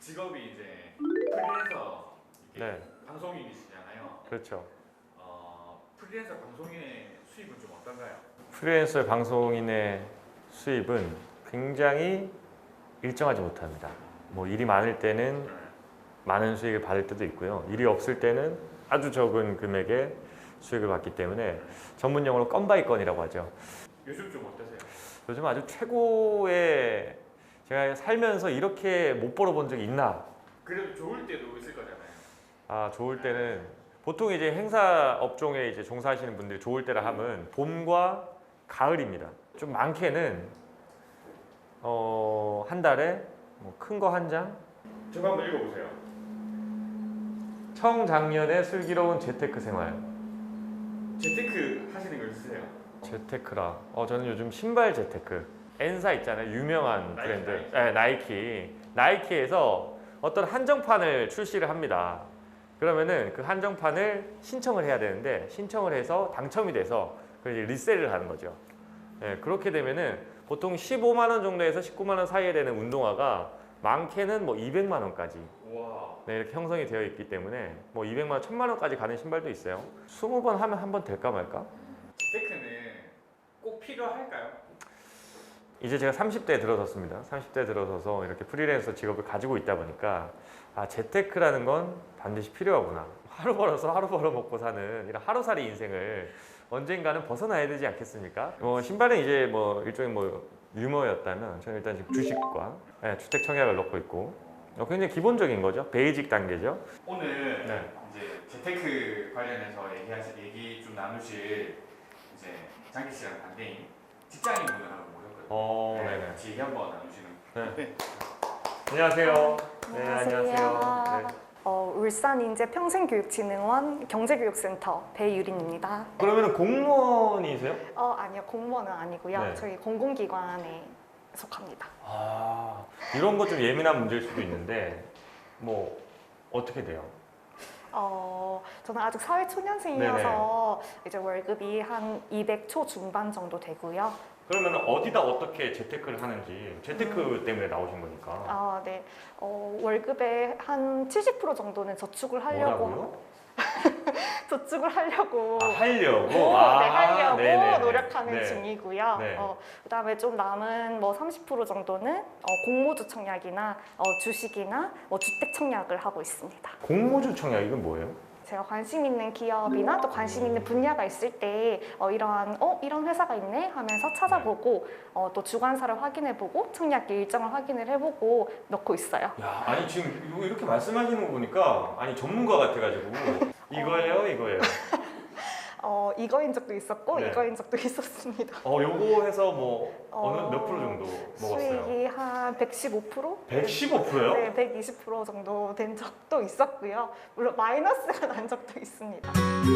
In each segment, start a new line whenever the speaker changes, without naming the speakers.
직업이 이제 프리랜서
네.
방송인이시잖아요.
그렇죠.
프리랜서 방송인의 수입은 좀 어떤가요?
프리랜서 방송인의 수입은 굉장히 일정하지 못합니다. 뭐 일이 많을 때는 많은 수익을 받을 때도 있고요. 일이 없을 때는 아주 적은 금액의 수익을 받기 때문에 전문 용어로 건바이 건이라고 하죠.
요즘 좀 어떠세요?
요즘 아주 최고의, 제가 살면서 이렇게 못 벌어본 적이 있나?
그래도 좋을 때도 있을 거잖아요.
아, 좋을 때는 보통 이제 행사 업종에 이제 종사하시는 분들이 좋을 때라 하면 봄과 가을입니다. 좀 많게는 한 달에 뭐 큰 거 한 장?
저거 한번 읽어보세요.
청작년의 슬기로운 재테크 생활.
재테크 하시는 거 있으세요?
재테크라. 저는 요즘 신발 재테크. 엔사 있잖아요. 유명한
나이키,
브랜드.
나이키.
네, 나이키. 나이키에서 어떤 한정판을 출시를 합니다. 그러면은 그 한정판을 신청을 해야 되는데 신청을 해서 당첨이 돼서 그걸 이제 리셀을 하는 거죠. 네, 그렇게 되면은 보통 15만 원 정도에서 19만 원 사이에 되는 운동화가 많게는 뭐 200만 원까지
와.
네, 이렇게 형성이 되어 있기 때문에 뭐 200만 원, 1000만 원까지 가는 신발도 있어요. 20번 하면 한 번 될까 말까?
재테크는 꼭 필요할까요?
이제 제가 30대에 들어섰습니다. 30대에 들어서서 이렇게 프리랜서 직업을 가지고 있다 보니까 아, 재테크라는 건 반드시 필요하구나. 하루 벌어서 하루 벌어 먹고 사는 이런 하루살이 인생을 언젠가는 벗어나야 되지 않겠습니까? 신발은 이제 뭐 일종의 뭐 유머였다면 저는 일단 지금 주식과 주택 청약을 넣고 있고 굉장히 기본적인 거죠. 베이직 단계죠.
오늘
네.
이제 재테크 관련해서 얘기 좀 나누실 이제 장기 씨랑 반대인 직장인분들하고 모셨거든요.
네네.
같이 얘기 한번 나누시는.
네. 안녕하세요. 네,
안녕하세요.
안녕하세요. 네.
울산인재평생교육진흥원 경제교육센터 배유린입니다.
그러면 공무원이세요?
아니요, 공무원은 아니고요.
네.
저희 공공기관에 속합니다.
아, 이런 거 좀 예민한 문제일 수도 있는데 뭐 어떻게 돼요?
저는 아직 사회초년생이어서 이제 월급이 한 200초 중반 정도 되고요.
그러면 어디다 어떻게 재테크를 하는지 재테크 때문에 나오신 거니까.
네. 월급의 한 70% 정도는 저축을 하려고
뭐라고요?
저축을 하려고
하려고?
네, 하려고
네네네.
노력하는
네.
중이고요.
네.
그다음에 좀 남은 뭐 30% 정도는 공모주 청약이나 주식이나 뭐 주택 청약을 하고 있습니다.
공모주 청약 이건 뭐예요?
제가 관심 있는 기업이나 또 관심 있는 분야가 있을 때 이런 회사가 있네 하면서 찾아보고 또 주관사를 확인해보고 청약 일정을 확인을 해보고 넣고 있어요.
야, 아니 지금 이렇게 말씀하시는 거 보니까 아니 전문가 같아가지고 이거예요?
이거인 적도 있었고
네.
이거인 적도 있었습니다.
요거 해서 뭐 어느 몇 프로 정도 먹었어요?
수익이 한 115%?
115%요?
네, 120% 정도 된 적도 있었고요. 물론 마이너스가 난 적도 있습니다.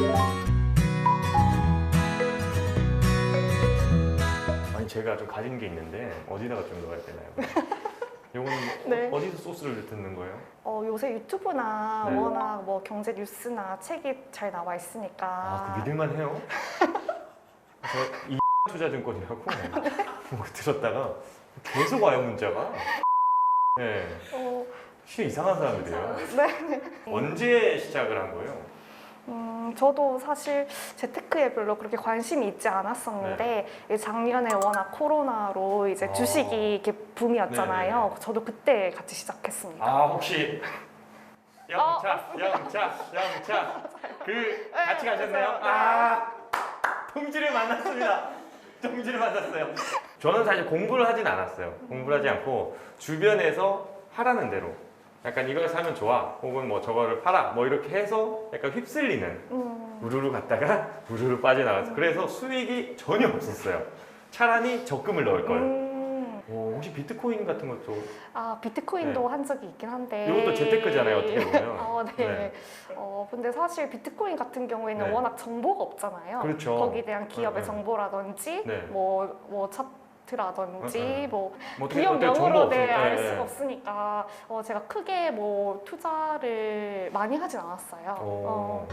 아니 제가 좀 가진 게 있는데 어디다가 좀 넣어야 되나요? 요거는
네.
어디서 소스를 듣는 거예요?
요새 유튜브나
네.
워낙 뭐 경제 뉴스나 책이 잘 나와 있으니까
그 믿을만 해요? 저 이 투자증권이라고 뭐 들었다가 계속 와요 문자가. 네, 진짜 이상한 사람들이에요.
네.
언제 시작을 한 거예요?
저도 사실 재테크에 별로 그렇게 관심이 있지 않았었는데 작년에 워낙 코로나로 이제 주식이 이렇게 붐이었잖아요.
네네네.
저도 그때 같이 시작했습니다.
혹시 영차 그 같이 가셨나요? 동지를 만났습니다. 동지를 만났어요. 저는 사실 공부를 하진 않았어요. 공부를 하지 않고 주변에서 하라는 대로 약간 이걸 사면 좋아 혹은 뭐 저거를 팔아 뭐 이렇게 해서 약간 휩쓸리는 우르르 갔다가 우르르 빠져나갔어요. 그래서 수익이 전혀 없었어요. 차라리 적금을 넣을 걸. 혹시 비트코인 같은 것도
비트코인도 한 적이 있긴 한데
이것도 재테크잖아요, 어떻게 보면.
네. 근데 사실 비트코인 같은 경우에는
네.
워낙 정보가 없잖아요.
그렇죠.
거기에 대한 기업의
네.
정보라든지
네.
뭐 차트라든지 뭐
어떻게
기업명으로
정보
알
없으니까.
수가 없으니까 제가 크게 뭐 투자를 많이 하진 않았어요.
뭐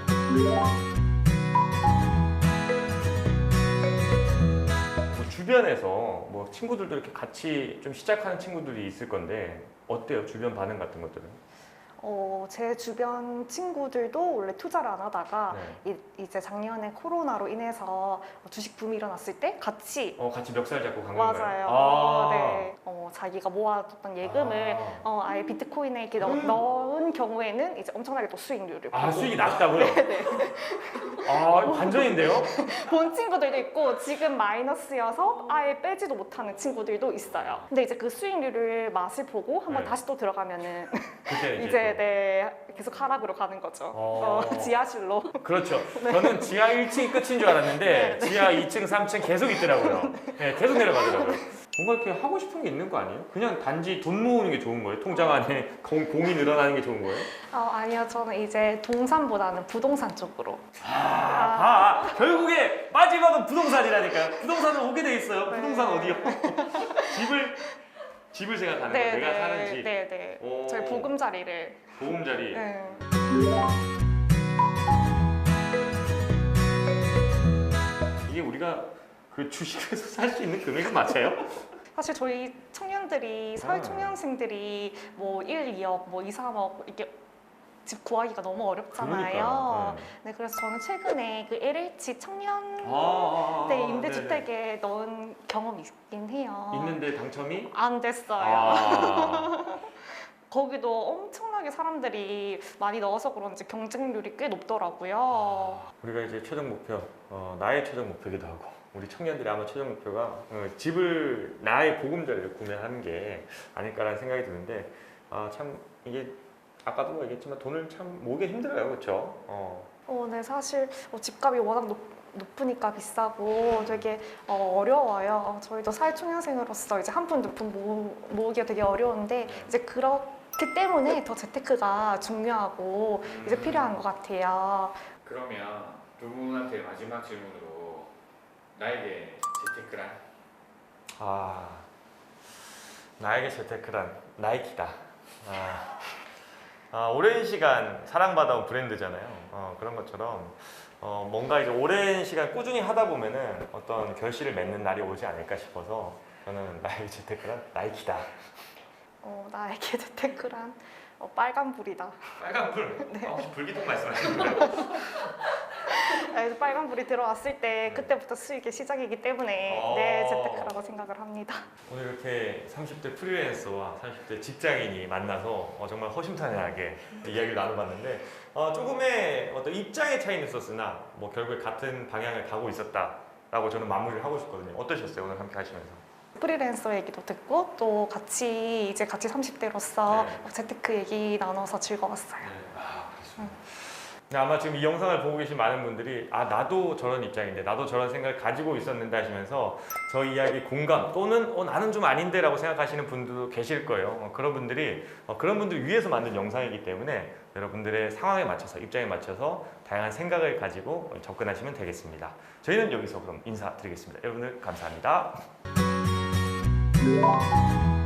주변에서 뭐 친구들도 이렇게 같이 좀 시작하는 친구들이 있을 건데 어때요? 주변 반응 같은 것들은?
제 주변 친구들도 원래 투자를 안 하다가
네.
이제 작년에 코로나로 인해서 주식 붐이 일어났을 때 같이
같이 멱살 잡고 간
맞아요.
건가요?
네. 자기가 모아뒀던 예금을 아예 비트코인에 이렇게 넣은 경우에는 이제 엄청나게 또 수익률을 보고
수익이 낮다고요?
네.
반전인데요?
본 친구들도 있고 지금 마이너스여서 아예 빼지도 못하는 친구들도 있어요. 근데 이제 그 수익률을 맛을 보고 한번
네.
다시 또 들어가면은
그때
이제 계속 하락으로 가는 거죠. 지하실로.
그렇죠. 저는 지하 1층이 끝인 줄 알았는데 지하 2층, 3층 계속 있더라고요. 네, 계속 내려가더라고요. 뭔가 이렇게 하고 싶은 게 있는 거 아니에요? 그냥 단지 돈 모으는 게 좋은 거예요? 통장 안에 공이 늘어나는 게 좋은 거예요?
아니요, 저는 이제 동산보다는 부동산 쪽으로.
결국에 마지막은 부동산이라니까요. 부동산은 오게 돼 있어요.
네.
부동산 어디요? 집을 생각하는 거예요. 내가 사는 집.
네네.
오.
저희 보금자리를.
보금자리.
네.
이게 우리가 그 주식에서 살 수 있는 금액은 맞아요?
사실 저희 청년들이 사회 초년생들이 뭐 1, 2억, 뭐 2, 3억 이렇게 집 구하기가 너무 어렵잖아요.
그러니까요.
네, 그래서 저는 최근에 그 LH 청년
네.
임대주택에 넣은 경험이 있긴 해요.
있는데 당첨이?
안 됐어요. 거기도 엄청나게 사람들이 많이 넣어서 그런지 경쟁률이 꽤 높더라고요.
우리가 이제 최종 목표, 나의 최종 목표기도 하고 우리 청년들이 아마 최종 목표가 집을 나의 보금자리를 구매하는 게 아닐까라는 생각이 드는데 참 이게 아까도 얘기했지만 돈을 참 모으기 힘들어요, 그렇죠?
네, 사실 집값이 워낙 높으니까 비싸고 되게 어려워요. 저희도 사회초년생으로서 이제 한 푼 두 푼 모으기가 되게 어려운데 이제 그렇기 때문에 더 재테크가 중요하고 이제 필요한 것 같아요.
그러면 두 분한테 마지막 질문으로 나에게 재테크란?
나에게 재테크란 나이키다. 오랜 시간 사랑받아온 브랜드잖아요. 그런 것처럼 뭔가 이제 오랜 시간 꾸준히 하다 보면은 어떤 결실을 맺는 날이 오지 않을까 싶어서 저는 나에게 재테크란 나이키다.
나에게 재테크란 빨간불이다.
빨간불?
네.
혹시 불기둥 말씀하시는 거예요?
빨간불이 들어왔을 때 그때부터 수익의 시작이기 때문에 네, 재테크라고 생각을 합니다.
오늘 이렇게 30대 프리랜서와 30대 직장인이 만나서 정말 허심탄회하게 이야기를 나눠봤는데 조금의 어떤 입장의 차이는 있었으나 뭐 결국에 같은 방향을 가고 있었다라고 저는 마무리를 하고 싶거든요. 어떠셨어요? 오늘 함께 하시면서?
프리랜서 얘기도 듣고 또 같이 30대로서 재테크 얘기 나눠서 즐거웠어요.
네, 아마 지금 이 영상을 보고 계신 많은 분들이 나도 저런 입장인데 나도 저런 생각을 가지고 있었는데 하시면서 저 이야기 공감 또는 나는 좀 아닌데 라고 생각하시는 분들도 계실 거예요. 그런 분들을 위해서 만든 영상이기 때문에 여러분들의 상황에 맞춰서 입장에 맞춰서 다양한 생각을 가지고 접근하시면 되겠습니다. 저희는 여기서 그럼 인사드리겠습니다. 여러분들 감사합니다.